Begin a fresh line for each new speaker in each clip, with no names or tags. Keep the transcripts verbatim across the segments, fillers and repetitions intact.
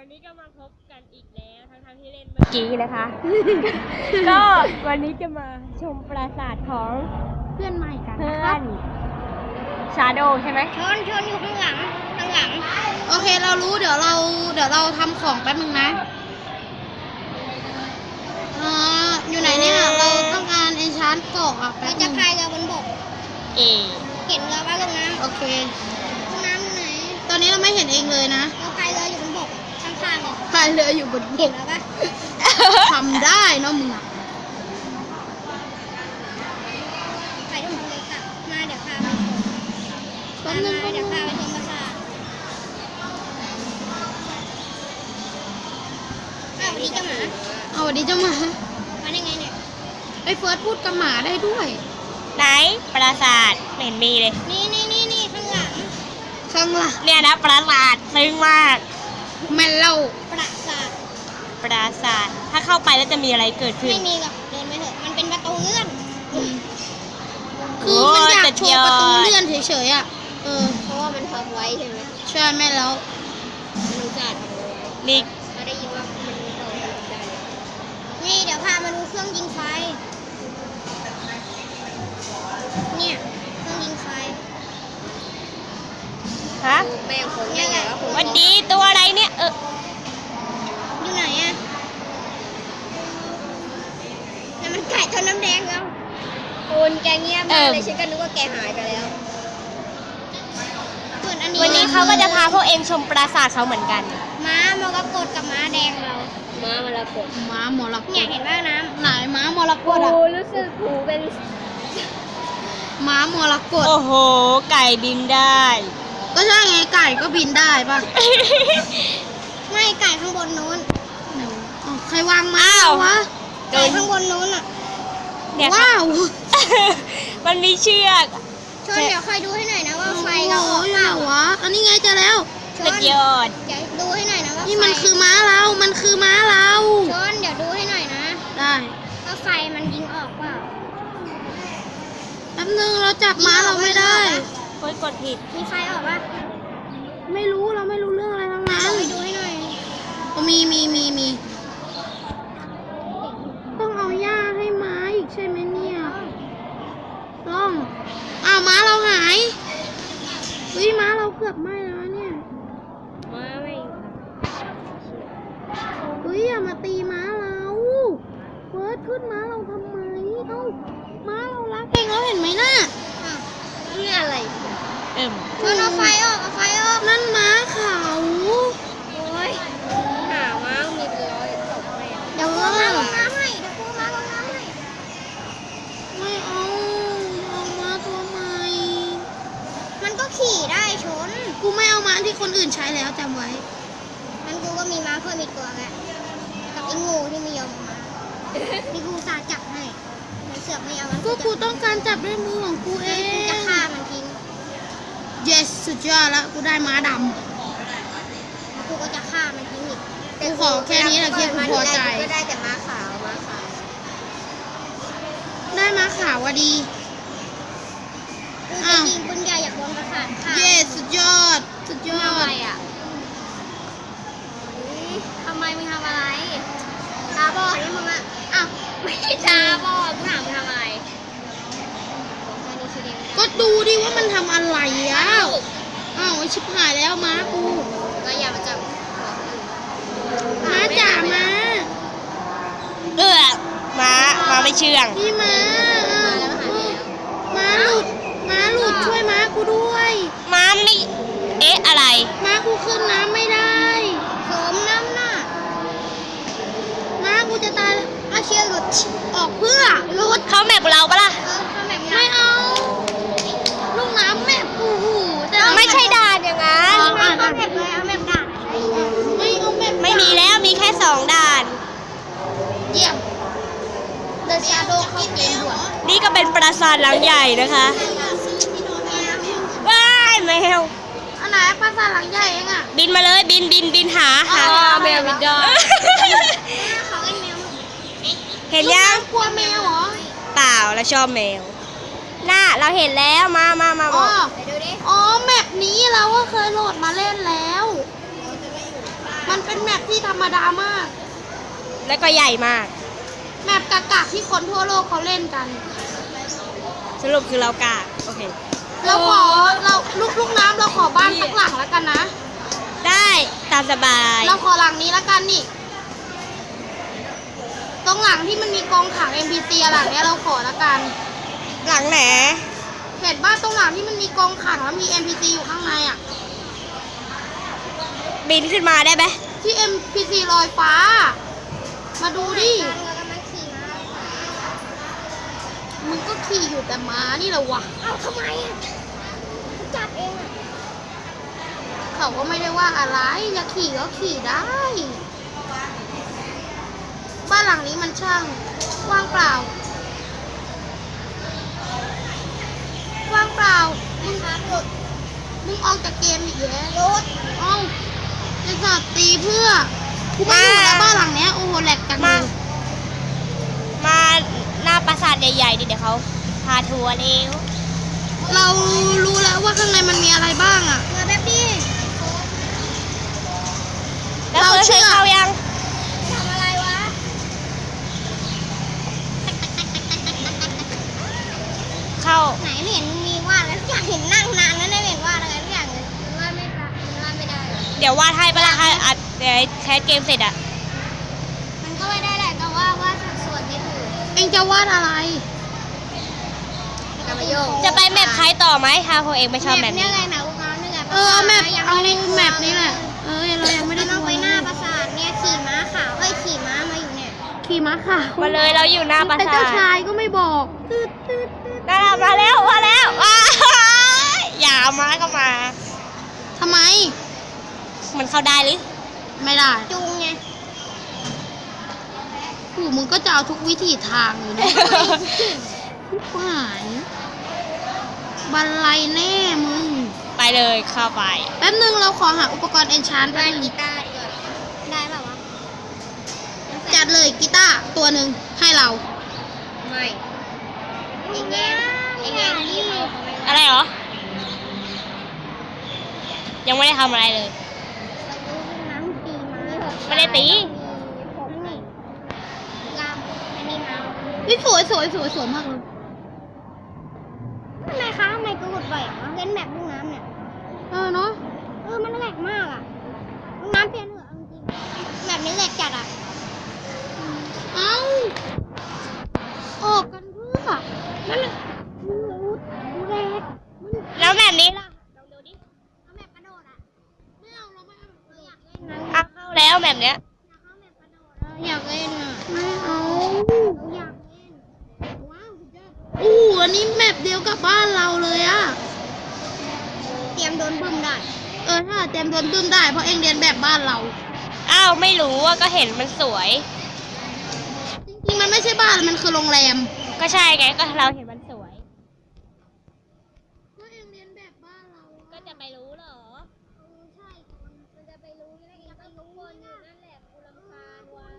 วันนี้ก็มาพบกันอีกแล้วทั้งๆที่เล่นเมื่อกี้นะคะ ก็วันนี้จะมาชมปราสาทของ
เพื่อนใหม่กัน
เพื่
นะ
อ
ครับ
นชาโดใช่ไหม
ชนชนอยู่ข้างหลังข้างหลังโอเคเรารู้เดี๋ยวเราเดี๋ยวเราทำของแป๊บนึงนะอ่าอยู่ไหนเนี่ยเราต้องการเอนชานเกาะอ่ะแป๊บนึงจะพายเรือบนบก
เอ
เห็นเรือว่าลงน้ำโอเคลงน้ำอยู่ไหนตอนนี้เราไม่เห็นเองเลยนะเราพายเรืออยู่บนบกข้างๆเลยพายเรืออยู่บนบกแล้วปะ ทำได้เนาะมึงอ่ะไปดูเลยค่ะมาเดี๋ยวพาไปชมมาเดี๋ยวพาไปชมปราสาทอ้าววันนี้เจ้าหมาเอาวันนี้เจ้าหมามาได้ไงเนี่ยไอ้เฟิร์สพูดกับหมาได้ด้วย
ไหนปราสาทไม่เห็นมีเลย
นี่นี่นี่นี่ข้างหลังข้างหลัง
เนี่ยนะปราสาทซึ้งมาก
แม่เล่าปราสาท
ปราสาทถ้าเข้าไปแล้วจะมีอะไรเกิดขึ้น
ไม่มีหรอกเดินไปเถอะมันเป็นประตูเลื่อนคือมันอยากโชว์ประตูเลื่อนเฉยๆอ่ะเออเพราะว่ามันทำไว้ใช่ไหมใช่แม่แล้วมันจะทำไว้
นี่
เราได้ยินว่ามันโตได้นี่เดี๋ยวพามาดูเครื่องยิงไฟเนี่ยเครื่องยิงไฟ
ฮะ
แม่คนใหญ่ๆ
วันดีตัวอะไรเนี่ยเออ
อยู่ไหนอะนั่นมันไก่ทอดน้ำแดงแล้วคุณแกเงียบมากเลยฉันก็นึกว่าแกหายไปแล้วส่วนอันนี้
วันนี้เขาก็จะพาพวกเองชมปราสาทเขาเหมือนกัน
ม้ามรกตกับม้าแดงเราม้ามรกตม้ามรกตเนี่ยเห็นบ้างน้ำไหนม้ามรกตอะรู้สึกหูเป็นม้ามรกต
โอ้โหไก่บินได้
ก็ใช่ไงไก่ก็บินได้ป่ะ ไม่ไก่ข้างบนนู้นใครวางม้าวะไก่ข้างบนนู้นอ่ะ
เนี่ย
ว้าว
มันมีเชือก
ชนเดี๋ยวคอยดูให้หน่อยนะว่าไฟเราออกเปล่าวะอันนี้ไงเจอแล้วช
สุ
น
ดยอด
เดี๋ยวดูให้หน่อยนะว่านี่มันคือม้าเรามันคือม้าเราชนเดี๋ยวดูให้หน่อยนะได้ว่าไฟมันยิงออกเปล่าแป๊บนึงเราจับม้าเราไม่ได้
โอ๊ยกดผิด
มีไฟออกปะไม่รู้เราไม่รู้เรื่องอะไรทั้งนั้นไปดูให้หน่อยมีมีมีมีต้องเอาหญ้าให้ม้าอีกใช่ไหมเนี่ยต้องอ้าวม้าเราหายวิม้าเราเกือบไหม้แล้วเนี่ย
มาไม่
เฮ้ยอย่ามาตีม้าเราเฟิร์สขึ้นม้าเราทำไมเอ้าม้าเรารักเองแล้วเห็นไหมน่ะนี่อะไร
เอิ่ม
มันเอาไฟออกเอาไฟออกนั่นม้าเขาโอ้ยหาม้ามีเป็นร้อยตกไปเดี๋ยวม้าลงน้ำให้เดี๋ยวม้าลงน้ำให้ไม่เอาเอาม้าตัวใหม่มันก็ขี่ได้ชนกูไม่เอาม้าที่คนอื่นใช้แล้วจำไว้งั้นกูก็มีม้าเพิ่มอีกตัวแหละกับไอ้งูที่ไม่ยอมมานี่กูสาจับให้มันเสือกไม่เอาก็กูต้องการจับด้วยมือของกูเองจะฆ่ามันทิ้งyes สุดยอดแล้วกูได้ม้าดำกูก็จะฆ่ามันทิ้งอีกกูขอแค่นี้แหละที่กูพอใจก็ได้แต่ม้าขาวม้าขาวได้ม้าขาวอะดีอ้าวยิงปืนใหญ่อยากโดนประสาทค่ะ yes สุดยอดสุดยอดทำอะไรอะทำไมมึงทำอะไรตาบอดนี่มึงอะอ้าวไม่ใช่ตาบอดกูถามมึงทำอะไรก็ดูดิว่ามันทำอะไรอ่ะอ้าวไอชิบหายแล้วม้ากูก็อย่ามาจับม้าจ๋าม้า
เอื้อม้าม้าไม่เชื่อง
พี่ม้าม้าหลุดม้าหลุดช่วยม้ากูด้วย
ม้าไม่เอ๊ะอะไร
ม้ากูขึ้นน้ำไม่ได้สมน้ำหน้าม้ากูจะตายแล้วอาเชียหลุดออกเพื่อหลุด
เขาแมปเราปะล่ะ
ไม่เอาลูกน้ำแม่ปูแต่
ไม่ใช่ด่านอย่างนั้น
ไม่เอาแม่เลยเอาแม่ด่านไม่เอาแม่
ไม่มีแล้วมีแค่สองด่าน
เยี่ยมเดอะชาโดว์เข้าเกมด่วน
นี่ก็เป็นปราสาทหลังใหญ่นะคะว้ายแมว
อันไหนปราสาทหลังใหญ่เองอ่ะ
บินมาเลยบินบินบินหาหา
แมวบินได้ เขาเป็นแมว
เห็นยัง
กลัวแมวเหรอ
เปล่าแล้วชอบแมวน่าเราเห็นแล้วมามามา
อ๋
บ
อ
อก
ดูดิอ๋อแมปนี้เราก็เคยโหลดมาเล่นแล้ว มันเป็นแมปที่ธรรมดามาก
แล้วก็ใหญ่มาก
แมปกากๆที่คนทั่วโลกเขาเล่นกัน
สรุปคือเรากากโอเค
เราขอเราลูกลูกน้ำเราขอบ้านสักหลังแล้วกันนะ
ได้ตามสบาย
เราขอหลังนี้แล้วกันนี่ ตรงหลังที่มันมีกองขัง เอ็ม พี ซี หลังเนี้ยเราขอแล้วกัน
หลังไหน
เห็นบ้านตรงหลังที่มันมีกองขังแล้วมี เอ็ม พี ซี อยู่ข้างในอ่ะ
บินขึ้นมาได้ไหม
ที่ เอ็ม พี ซี ลอยฟ้า มาดูดิ มึงก็ขี่อยู่แต่ม้านี่แหละวะ
เอ้าทำไมอ่ะจับเองอ่ะ
เขาก็ไม่ได้ว่าอะไรจะขี่ก็ขี่ได้ บ้านหลังนี้มันช่างว่างเปล่า ว่างเปล่า มึงมึงออกจากเกมอีกแล้วรถเอ้าจะสอดตีเพื่อกูไม่อยู่แล้วบ้านหลังเนี้ยโอ้โหแหลกจังเล
มาย มาหน้าปราสาทใหญ่ๆดิเดี๋ยวเขาพาทัวร์เร็ว
เรารู้แล้วว่าข้างในมันมีอะไรบ้างอ่ะ
เงาแบบนี้
แล้ว
เรา
เคย
เชื่
เคย
อ
เข้ายัง
ทำอะไรวะ
เข้า
ไหนไม่เห็นมีวาดแล้วอยากเห็นนั่งนานแล้วไม่เห็นวาดอะไรทุกอย่างเลยมันวาดไม่ได้มันวาดไม่ได้
เดี๋ยววาดให้ปะล่ะให้อัดเดี๋ยวแคสเกมเสร็จอะ
มันก็ไม่ได้แหละแต่ว่าวาดส่วนไม่ถูก
เองจะวาดอะไร
กระโยก
จะไปแมปใครต่อไหมถ้าพวกเองไม่ชอบแมป
เนี่
นี้
ยไงหนาลูกน้ำนี่ไง
เออเอาแมป
ยัง
เอา
ไม่ได้
แมปนี้แหละ เออเรายังไม่ได้
ต้องไปหน้าปราสาทเนี่ยขี่ม้าขาวเอ้ยขี่ม้ามาอยู่เนี่ย
ขี่ม้าค่ะ
มาเลยเราอยู่หน้าปรา
เป็น
สา
เจ้า
ท
ชายก็ไม่บอกตืดตืดตืด
นั่นน่ะมาแล้วมาแล้วว้ายอย่าเอามาก็มา
ทำไม
มันเข้าได้หรือ
ไม่ได้
จุงไง
กูมึงก็จะเอาทุกวิถีทางเลยนะหายบันไลแน่มึง
ไปเลยเข้าไป
แป๊บนึงเราขอหาอุปกรณ์เอนชานแป๊
วา
บ
ด
นึง
กีตาร์ดีกว่าได้เปล่าวะ
จัดเลยกีตาร์ตัวหนึ่งให้เรา
ไม่เองแย่งเองแย่งที่เขาเขาไม่
อะไรเหรอ ยังไม่ได้ทำอะไรเลย
น้ำตีมา
ไม่ได้ตี
ผมนี่ลามอันนี้มา
นี่สวยสวยสวยสวยมากเลย
ทำไมคะทำไมกูกดบ่อยอ่ะเล่นแบบลูกน้ำเนี่ย
เออเนาะ
เออมันแหลกมากอ่ะลูกน้ำเปลี่ยนเหอะเอาจริงๆแบบนี้แหลกจัดอ่ะ
เอ้าออกกันเพื่อนั่นแหละ
ดูดูแหลก
แล้วแบบนี้ล่ะ
ลองดูดิเอาแบบกระโดดอ่ะ
ไม่เอาเราไม่เอา
เราอยากเล่นนะ
อ่ะเข้าแล้วแบบเนี้ย
อยากเข้าแบบกระโดด
เราอยากเล่นอ่ะไม่เอา
เราอยากเล่น
ว้าวสุดยอดอู้อันนี้แมปเดียวกับบ้านเราเลยอะ
เตรียมโดนบึ้มได้
เออถ้าเต็มโดนบึ้มได้เพราะเองเรียนแบบบ้านเรา
อ้าวไม่รู้ว่าก็เห็นมันสวย
จริงๆมันไม่ใช่บ้านมันคือโรงแรม
ก็ใช่ไงก็เราเห็นมันสวย
ก็เองเรียนแบบบ้านเรา
ก็จะไปรู้เหรอ
เออใช่คนมันจะไปรู้ได้ไงก็รู้คนอยู่นั่นแหละกูรำคาญว่ะ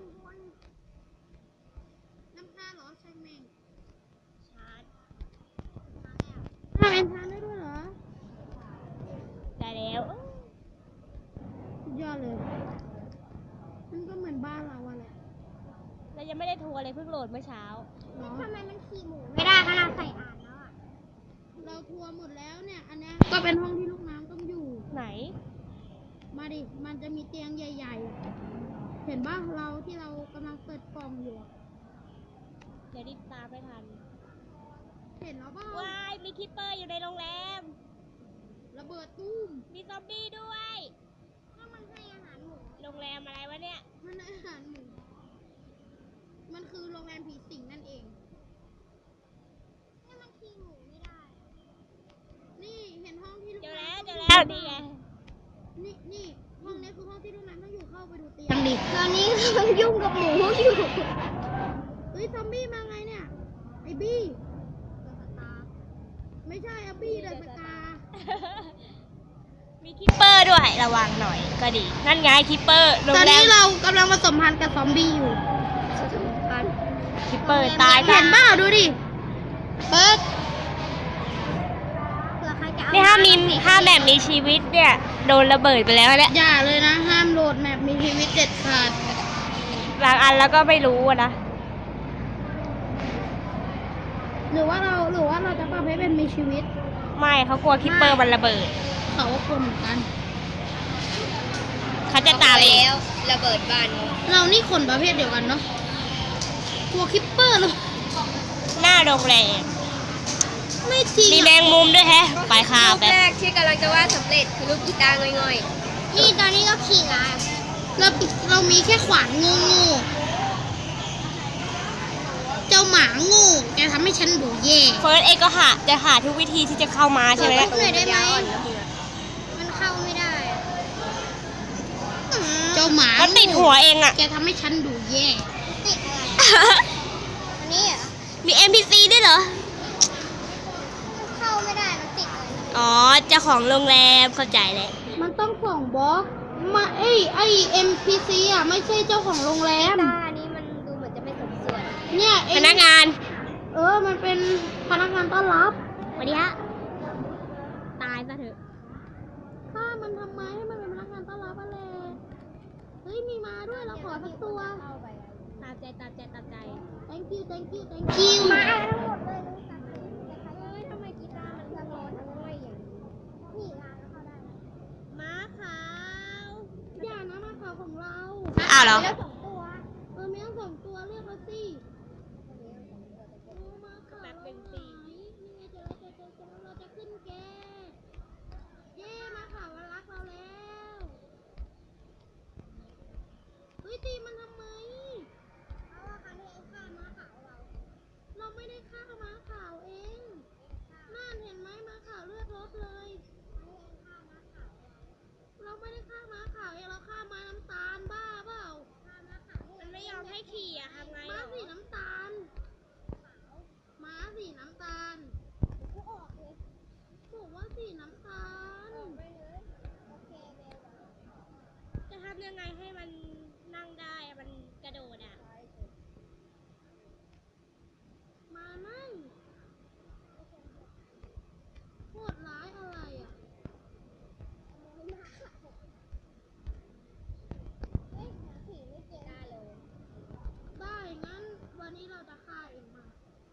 น้ำตาเหรอใช่ไหม
ชาร์จ
ทำเอ็นทานได้ด้วยเหรอ
ได้แล้ว
สุดยอดเลย มันก็เหมือนบ้านเราอะแหละ
เรายังไม่ได้ทัวร์เลยเพิ่งโหลดเมื่อเช้า
เนาะ
ทำไมมันขี่หมูไม่ได้ขนาดใส่อ่านแล้วอ่ะ
เราทัวร์หมดแล้วเนี่ย อันเนี้ยก็เป็นห้องที่ลูกน้ำต้องอยู่
ไหน
มาดิ มันจะมีเตียงใหญ่ๆ เห็นบ้างเราที่เรากำลังเปิดกล่องอยู่อะ
เดี๋ยวรีบตามไม่ทัน
เห็นแล้วบ้าง
ว้ายมีคิปเปอร์อยู่ในโรงแรม
ระเบิดตุ้ม
มีซอมบี้ด้วย
ถ้ามันให้อาหารหมู
โรงแรมอะไรวะเนี่ย
มันอาหารหมู มันคือโรงแรมผีสิงนั่นเอง
ให้มันขี่หมูไม่ได้
นี่เห็นห้องที่ลูก
เจอ
น้ำ
แล้ว
ต้
เจ
ง
อ
อยู่
แล้วนี่ไง
นี่นี่ห้องนี้คือห้องที่ลูกน้ำต้องอยู่เข้าไปดูเตียงดิ
ตอนนี้กำลังยุ่งกับหมูอยู่
เฮ้ยซอมบี้มาไงเนี่ย ไอ้บี้ ไม่ใช่อะบี้เดอะสกา
มีคิปเปอร์ด้วยระวังหน่อยก็ดี นั่นไงคิปเปอร์โรง
ตอน
แร
นี้
ม
เรากำลังผสมพันธุ์กับซอมบี้อยู่
คิปเปอร์ตาย
เห็นบ้าดูดิ เปิด
เผื่อใครจะเอา
นี่ถ้ามีถ้าแบบมีชีวิตเนี่ย โดนระเบิดไปแล้วแหละ
อย่าเลยนะ ห้ามลงดแมปมีชีวิตเด็ดขาด
บางอันแล้วก็ไม่รู้อะนะ
หรือว่าเราหรือว่าเราจะปรับให้เป็นมีชีวิต
ไม่เขากลัวคิปเปอร์มันระเบิด
เขาก็กลัวเหมือนกัน
เขาจะตามเอง
แล้วระเบิดบ้าน
เรานี่คนประเภทเดียวกันเนาะกลัวคิปเปอร์เลย
หน้าโรงแรม
ไม่จริง
มีแม
อะ
งมุมด้วยแฮะ ไปค่ะ
รูป
แบบ
แรกที่กำลังจะวาดสำเร็จคือรูปกีตาร์ง่อยๆนี่ตอนนี้ก็ขี่งาน
เราเรามีแค่ขวานงูงูเจ้าหมางูแกทำให้ฉันดูแย่
เฟิร์สเองก็หาจะหาทุกวิธีที่จะเข้ามาใช่ไหม
หน่
เนี่ย
อยได้ไหมมันเข้าไม่ได้อะ
เจ้าหมา
มันติดหัวเองอะ
แกทำให้ฉันดูแย่
ติดอะไรอันนี้เหรอ
มี เอ็ม พี ซี ด้วยเหรอ
มันเข้าไม่ได้มันติดอะไร
อ๋อเจ้าของโรงแรมเข้าใจแล้ว
มันต้องส่องบล็อกมาไอ้ไอ้ เอ็ม พี ซี อ่ะไม่ใช่เจ้าของโรงแรม
ตาอันนี้มันดูเหมือนจะไม่สมส่วน
เนี่ยเอ
พ
ง
นักงาน
เออมันเป็นพนักงานต้อนรับ
สวัสดีฮะ ตายซะเถอะ
ฆ่ามันทำไมให้มันเป็นพนักงานต้อนรับอะไรเฮ้ยมีมาด้วยเราขอสักตัว
ตามใจตามใจตามใจ
thank you thank you thank you
มาทั้งหมดเลยรู้จักไหมแต่ใครเอ้ยทำไมกีตาร์มันทั้งร้อนทั้งง่อยอย่างนี้นี่งานแล้วเข้าได้นะ
ม้าขาว
อย่านะมาข่าวของเรา
อ้าวเหรอ
แล้วสองตัว
เออมีทั้งสองตัวเรียกมาสิโอ้มาข่าว
แป๊บหนึ่งสิ
นี่ไงเจอแล้วเจอเจอเจอแล้วเราจะขึ้นแกเย้มาข่าวมันรักเราแล้วเฮ้ยตีมันทำไม
เพราะว่าครั้งที่แล้วฆ่าม้าขาวเรา
เราไม่ได้ฆ่าม้าขาวเองนั่นเห็นไหมม้าขาวเลือดลดเลย เราไม่ได้ฆ่าม้าขาวเองเราฆ่าม้าน้ำตาลบ้าเปล่า
มันไม่ยอมให้ขี่อะทำไง
ม้า
หรอ
สีน้ำตาลม้าสีน้ำตาล
กูออกเลย
บอกว่าสีน้ำตาล
ออกไปเลยโอเคเบล
จะทำยังไงให้มันนั่งได้อะมันกระโดดอะ
มานั่งโคตรร้ายอะไรอ่ะ
เฮ้ยหาผีไม่เจอได้เลย
ได้งั้นวันนี้เราจะฆ่าเองมา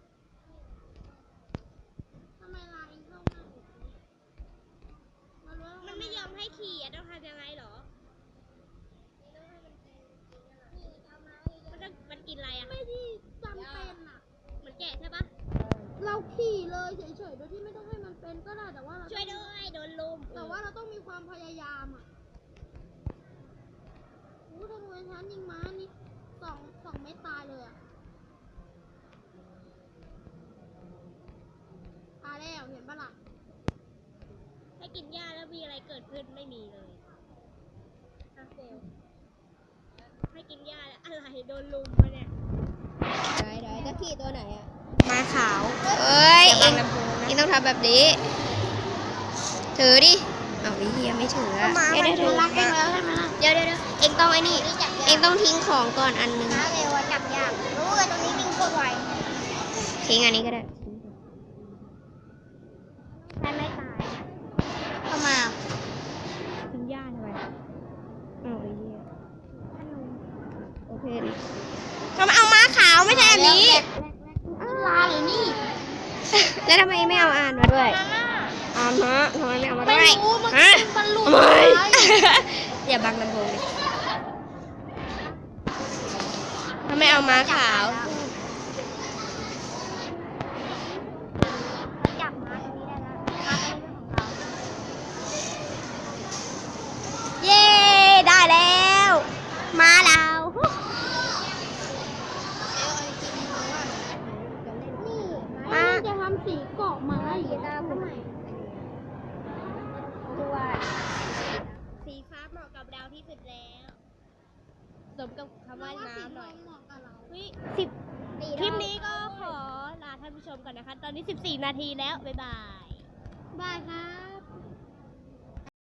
ทำไมลายเองเข้ามาอีกมารู้ว่า
มันไม่ยอมให้ขี่อะต้องทำยังไงหรอ มันต้องมันกินอะไรอะ
ไม่ที่จำเป็นอ่ะ
เหมือนแกะใช่ปะ
เราขี่เลยเฉยๆโดยที่ไม่ต้องให้มันเป็นก็ได้แต่ว่าเรา
ช่วยด้วยโดนลุม
แต่ว่าเราต้องมีความพยายามอ่ะอู้ธนูไอ้ชั้นยิงม้านี่สองสองเม็ดตายเลยอ่ะตายแล้วเห็นปะล่ะ
ให้กินหญ้าแล้วมีอะไรเกิดขึ้นไม่มีเลยอะเฟลให้กินหญ้าแล้วอะไรโดนลุมมาเนี่ย
ได้ได้จะขี่ตัวไหนอ่ะ
ม้าขาว
เอ้ย
อย่า
เอ
บัง
ง
ลำโพงนะ
เองต้องทำแบบนี้ ถือดิ เอาวิเฮียไม่ถืออะ
ก็มา
เดี๋ยวเดี๋ยว
มันรักเองแล้วใช่ไหมล่ะ
เดี๋ยวเดี๋ยวเดี๋ยวเองต้องไอ้นี่ เองต้องทิ้งของก่อนอันนึง
ม้าเร็วอะจับยากรู้เลยตรงนี้วิ่งโคตรไว
ทิ้งอันนี้ก็ได้
ใช่ไม่ตายเข้ามา
กินหญ้าทำไม
เอาไอ้เหี้ยโอเค
ทำไมเอาม้าขาวไม่ใช่อันนี้
ลาหรือนี่
แล้วทำไมไม่เอาอ่านมาด้วย อ่านมาทำไมไม่เอามา
ไม่
ด้วย
รู้มัน
ฮะ
มันหลุด
ทำไม
ไป
อย่าบังลำโพงดิทำไมเอาม้าขาว
จับม้าตรงนี้ได้แล้วม้าตรงนี้เป็นของเรา
เย้ ได้แล้วม้าเรา
ม้าจะทำสีเกาะม้าอีก
กีตาร์ผมตัว
สีฟ้าเหมาะกับเราที่สุดแล้วสมกับคำว่าน้ำหน่อย
เหมาะกับเรา
เฮ้ยสิบคลิปนี้ก็ขอลาท่านผู้ชมก่อนนะคะ ตอนนี้สิบสี่นาทีแล้ว บ๊ายบาย
บายครับ